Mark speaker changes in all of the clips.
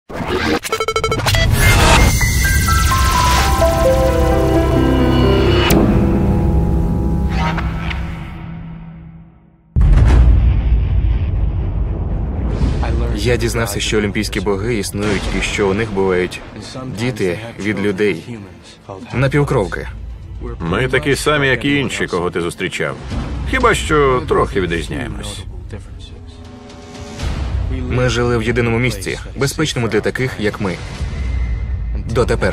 Speaker 1: Я дізнався, що олімпійські боги існують і що у них бувають діти від людей. Напівкровки.
Speaker 2: Ми такі самі, як і інші, кого ти зустрічав. Хіба що трохи відрізняємось.
Speaker 1: Ми жили в єдиному місці, безпечному для таких, як ми. Дотепер.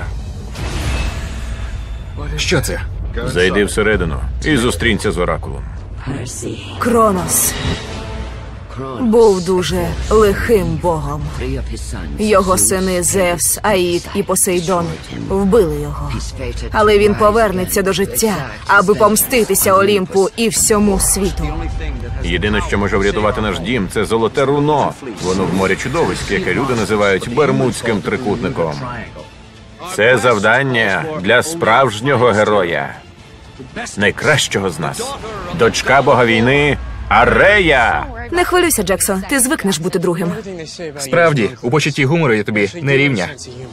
Speaker 1: Що це?
Speaker 2: Зайди всередину і зустрінься з Оракулом.
Speaker 3: Кронос був дуже лихим богом. Його сини Зевс, Аїд і Посейдон вбили його. Але він повернеться до життя, аби помститися Олімпу і всьому світу.
Speaker 2: Єдине, що може врятувати наш дім, це золоте руно. Воно в морі чудовиськ, яке люди називають Бермудським трикутником. Це завдання для справжнього героя. Найкращого з нас. Дочка бога війни Арея!
Speaker 3: Не хвилюйся, Джексон, ти звикнеш бути другим.
Speaker 1: Справді, у почутті гумору я тобі не рівня.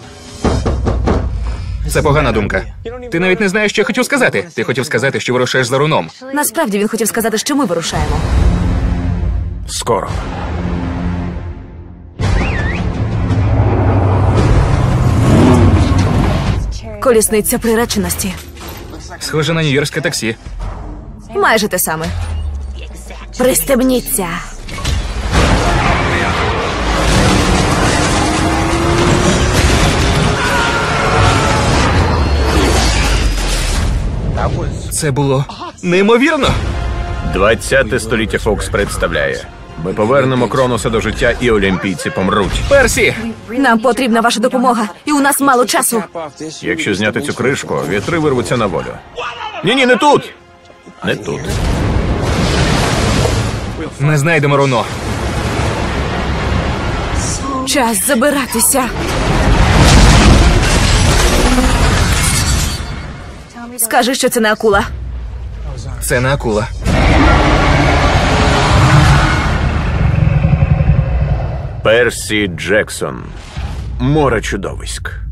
Speaker 1: Це погана думка. Ти навіть не знаєш, що я хотів сказати. Ти хотів сказати, що вирушаєш за руном.
Speaker 3: Насправді він хотів сказати, що ми вирушаємо.
Speaker 2: Скоро.
Speaker 3: Колісниця приреченості.
Speaker 1: Схоже на нью-йоркське таксі.
Speaker 3: Майже те саме. Пристебніться.
Speaker 1: Це було неймовірно.
Speaker 2: 20-те століття Фокс представляє. Ми повернемо Кроноса до життя, і олімпійці помруть.
Speaker 1: Персі!
Speaker 3: Нам потрібна ваша допомога, і у нас мало часу.
Speaker 2: Якщо зняти цю кришку, вітри вирвуться на волю. Ні, не тут! Не тут.
Speaker 1: Ми знайдемо руно.
Speaker 3: Час забиратися. Скажи, що це не акула.
Speaker 1: Це не акула.
Speaker 2: Персі Джексон. Море чудовиськ.